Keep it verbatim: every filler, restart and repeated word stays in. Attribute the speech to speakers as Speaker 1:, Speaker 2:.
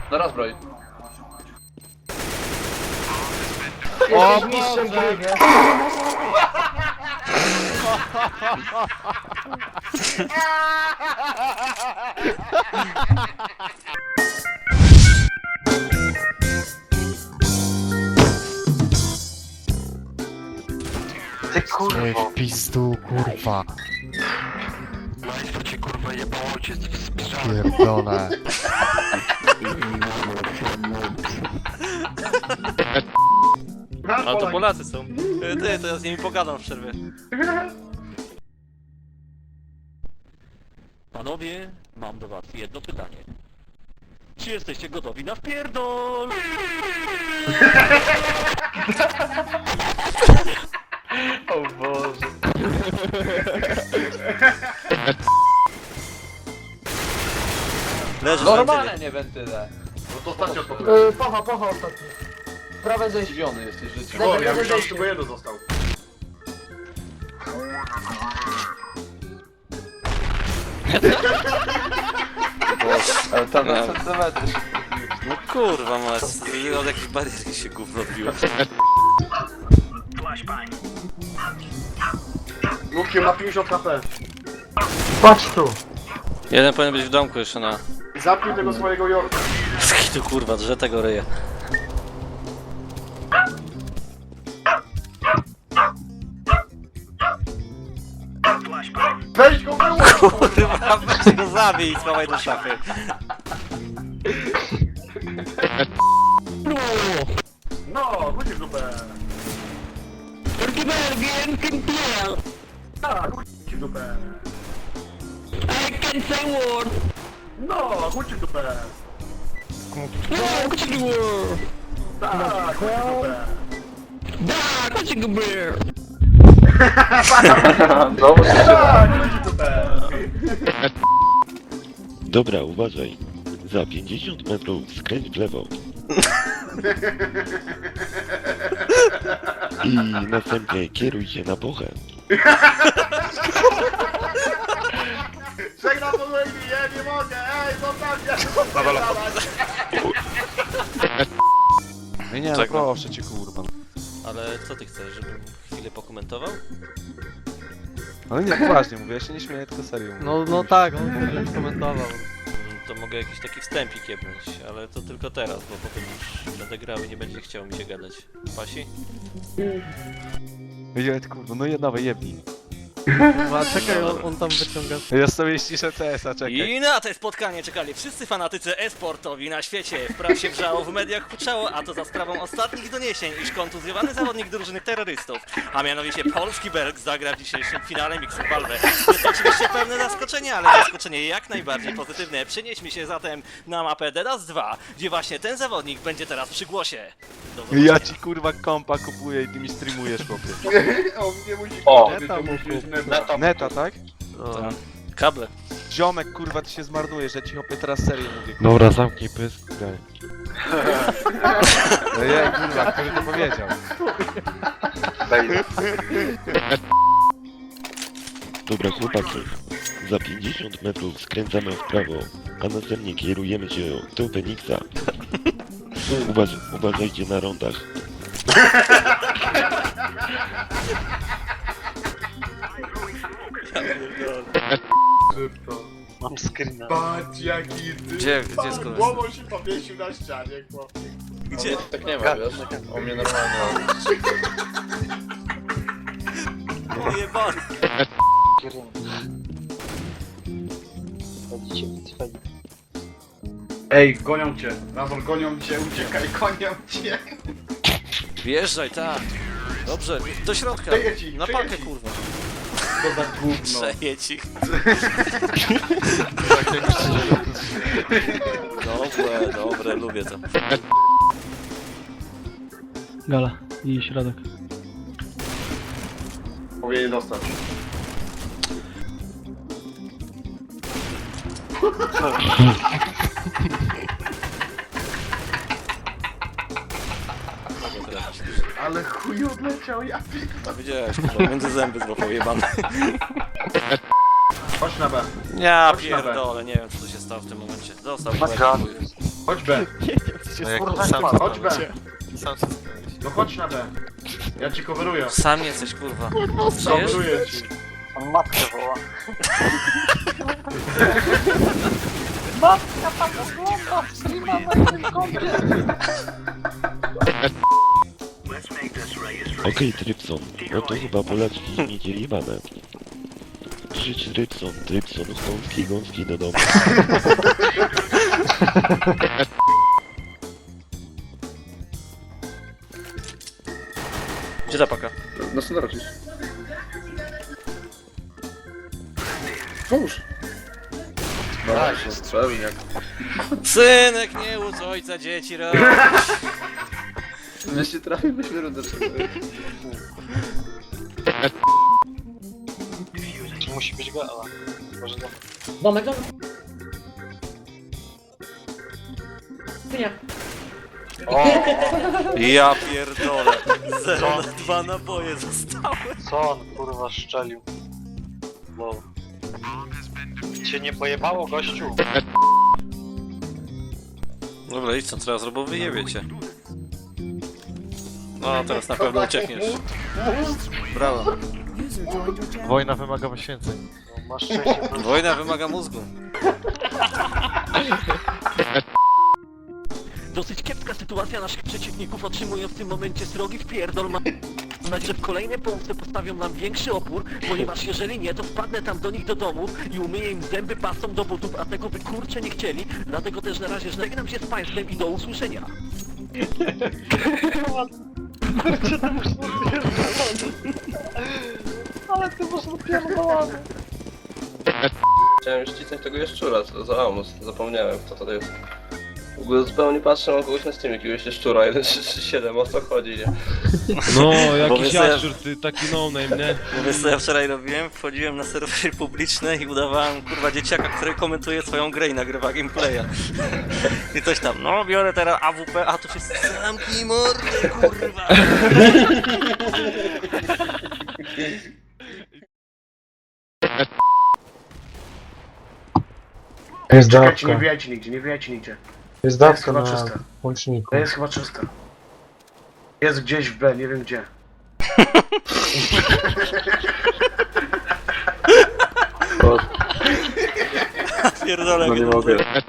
Speaker 1: No raz broj.
Speaker 2: O mistrzem gry, nie?
Speaker 3: Ty kurwa.
Speaker 4: Ej, w pizdu, kurwa.
Speaker 3: Majstro cię kurwa jebało cię z pierdolę.
Speaker 4: Pierdolę.
Speaker 5: A to Polacy są. Ty, to ja z nimi pogadam w przerwie.
Speaker 6: Panowie, mam do was jedno pytanie. Czy jesteście gotowi na wpierdol?
Speaker 3: O Boże.
Speaker 5: Leży
Speaker 1: Normalne nie wentyle.
Speaker 7: No to ostatnio to
Speaker 2: Yy, pocha, pocha ostatni. Prawe zejście.
Speaker 1: Zdziwiony jesteś życiem.
Speaker 7: O, ja myślałem, że tylko jeden został.
Speaker 1: Ale tam na centymetry się wchodził.
Speaker 5: No kurwa mać, od jakiejś bariery się gówno odbiło.
Speaker 7: Lukiem ma pięćdziesiąt HP.
Speaker 2: Patrz tu.
Speaker 5: Jeden powinien być w domku jeszcze na...
Speaker 7: Zapnij tego swojego Jorka.
Speaker 5: Tu kurwa, drze tego ryja.
Speaker 7: Weź go wyłącz!
Speaker 5: Kurwa, weź go zabij i schowaj do szafy.
Speaker 7: No, chodź w dupę. Tak, chodź w dupę.
Speaker 6: I can say word!
Speaker 7: No, chodź w dupę.
Speaker 6: No, chodź w word!
Speaker 7: Tak, chodź w dupę.
Speaker 6: Da, chodź w beer!
Speaker 1: Znowu się
Speaker 7: Tak, chodź w dupę.
Speaker 8: Dobra, uważaj. Za pięćdziesiąt metrów skręć w lewo. I następnie kieruj się na pochę.
Speaker 7: Żegnam do Lady, ja nie mogę, ej, zostawcie!
Speaker 4: No nie, no
Speaker 5: Czego?
Speaker 4: proszę cię, kurwa.
Speaker 5: Ale co ty chcesz, żebym chwilę pokomentował?
Speaker 4: Ale nie, poważnie mówię, ja się nie śmieję, tylko serio mówię.
Speaker 9: No, no tak, on już komentował.
Speaker 5: Mm, To mogę jakiś taki wstępik jebnąć, ale to tylko teraz, bo potem już będę grał i nie będzie chciał mi się gadać. Pasi?
Speaker 4: Ej, kurwa, no jednowe jebnij.
Speaker 9: A czekaj, on, on tam wyciąga.
Speaker 4: Ja sobie ściszę C S a, czekaj.
Speaker 5: I na to spotkanie czekali wszyscy fanatycy e-sportowi na świecie. W prasie wrzało, w mediach huczało, a to za sprawą ostatnich doniesień, iż kontuzjowany zawodnik drużyny terrorystów, a mianowicie Polski Berg, zagra w dzisiejszym finale Mixed Valve. Jest to oczywiście pewne zaskoczenie, ale zaskoczenie jak najbardziej pozytywne. Przenieśmy się zatem na mapę Dedas dwa, gdzie właśnie ten zawodnik będzie teraz przy głosie. Do zobaczenia.
Speaker 4: Ja ci kurwa kompa kupuję i ty mi streamujesz, chłopie.
Speaker 7: On nie musi
Speaker 1: O,
Speaker 7: krzyczeć,
Speaker 9: neta
Speaker 7: to
Speaker 9: mu
Speaker 7: musi
Speaker 9: kup.
Speaker 7: neta.
Speaker 4: Neta, tak?
Speaker 9: No.
Speaker 5: Kable.
Speaker 4: Ziomek, kurwa, ty się zmarnujesz, ja ci chłopie teraz serio mówię.
Speaker 8: Dobra, zamknij pysk. graj.
Speaker 4: No je, kurwa, kto by to powiedział?
Speaker 8: Dobra, chłopaki. Za pięćdziesiąt metrów skręcamy w prawo, a następnie kierujemy się do Feniksa. Uważ, uważajcie na rondach.
Speaker 7: Szybko.
Speaker 3: Mam screena.
Speaker 7: Patrz jaki ty...
Speaker 5: Gdzie- gdzie
Speaker 7: pan
Speaker 5: skoro-
Speaker 7: głową się powiesił na ścianie, chłopie.
Speaker 5: Gdzie?
Speaker 1: tak nie ma, wiesz? O mnie normalnie.
Speaker 5: Jebany.
Speaker 3: Chodzicie, wytrwali.
Speaker 7: Ej, gonią cię. Razor, gonią cię, uciekaj, gonią cię.
Speaker 5: Wjeżdżaj, tak. Dobrze, do środka.
Speaker 7: Przejedź ich,
Speaker 5: Na
Speaker 7: przejedź
Speaker 5: pakę,
Speaker 7: ich.
Speaker 5: kurwa.
Speaker 7: To za gówno.
Speaker 5: Przejedź ich. Dobre, dobre, lubię to.
Speaker 9: Gala i środek.
Speaker 7: Powinien dostać. Ale chuj odleciał, ja
Speaker 5: No widziałeś, kurwa, między zęby złapał jebany.
Speaker 7: Chodź na B.
Speaker 5: Ja
Speaker 7: Chodź na B.
Speaker 5: pierdolę, nie wiem co tu się stało. dostał w tym momencie. Dostał.
Speaker 7: Chodź,
Speaker 5: chuj.
Speaker 7: Chodź B.
Speaker 1: No jak
Speaker 2: Kurwa,
Speaker 1: sam
Speaker 2: spadł.
Speaker 7: Chodź B.
Speaker 1: Sam się stałeś.
Speaker 7: No chodź na B. Ja ci coveruję.
Speaker 5: Sam jesteś, kurwa. Żyjesz?
Speaker 7: Coveruję ci.
Speaker 2: On matkę woła.
Speaker 8: Okej, Trypson, no to chyba Polaczki mieli jebane. Krzycz Trypson, Trypson, gąski, gąski do domu.
Speaker 5: Gdzie ta paka?
Speaker 7: No co robisz? Pomóż.
Speaker 1: No właśnie, strzelił jak...
Speaker 5: Synek, nie łódź ojca dzieci, ro.
Speaker 1: Jeśli trafił, byśmy rundę
Speaker 9: Musi być gala. Może to...
Speaker 2: Domek, domek. Nie.
Speaker 5: Ja pierdolę. zero na dwa naboje zostały.
Speaker 9: Co on kurwa szczelił? Wow. Cię nie pojebało, gościu?
Speaker 5: Dobra, idź co teraz robią, wyjebie cię. No, teraz na pewno uciekniesz. Brawo.
Speaker 9: Wojna wymaga poświęceń. No, masz szczęście.
Speaker 5: Wojna wymaga mózgu.
Speaker 6: Dosyć kiepska sytuacja naszych przeciwników, otrzymują w tym momencie srogi wpierdol. Mam nadzieję, że w kolejnej połówce postawią nam większy opór, ponieważ jeżeli nie, to wpadnę tam do nich do domów i umyję im zęby pastą do butów, a tego by kurczę nie chcieli. Dlatego też na razie żegnam się z państwem i do usłyszenia.
Speaker 2: Ale ty masz napierdolony.
Speaker 1: Chciałem już cisnąć tego jaszczura, co to za Amus. Zapomniałem, kto to jest. W ogóle zupełnie patrzę, mam kogoś na Steamie, jakiegoś jaszczura, jeden trzy trzy siedem, o co chodzi, nie?
Speaker 4: No,
Speaker 5: Bo
Speaker 4: jakiś
Speaker 5: wiesz, ja-
Speaker 4: jaszczur, ty taki no-name, nie?
Speaker 5: Bo wiesz co ja wczoraj robiłem? Wchodziłem na serwery publiczne i udawałem kurwa dzieciaka, który komentuje swoją grę i nagrywa gameplaya. I coś tam, no biorę teraz A W P, a to wszyscy zamknij mordę, kurwa.
Speaker 2: Jest
Speaker 7: Czekajcie, nie
Speaker 2: dawka.
Speaker 7: wbijajcie nigdzie, nie wbijajcie nigdzie.
Speaker 2: Jest
Speaker 7: To jest
Speaker 2: dawka
Speaker 7: chyba
Speaker 2: na
Speaker 7: czyste.
Speaker 2: łączniku.
Speaker 7: To jest chyba czyste. Jest gdzieś w B, nie wiem gdzie.
Speaker 5: Pierdolę,
Speaker 1: No nie
Speaker 5: jak
Speaker 1: mogę.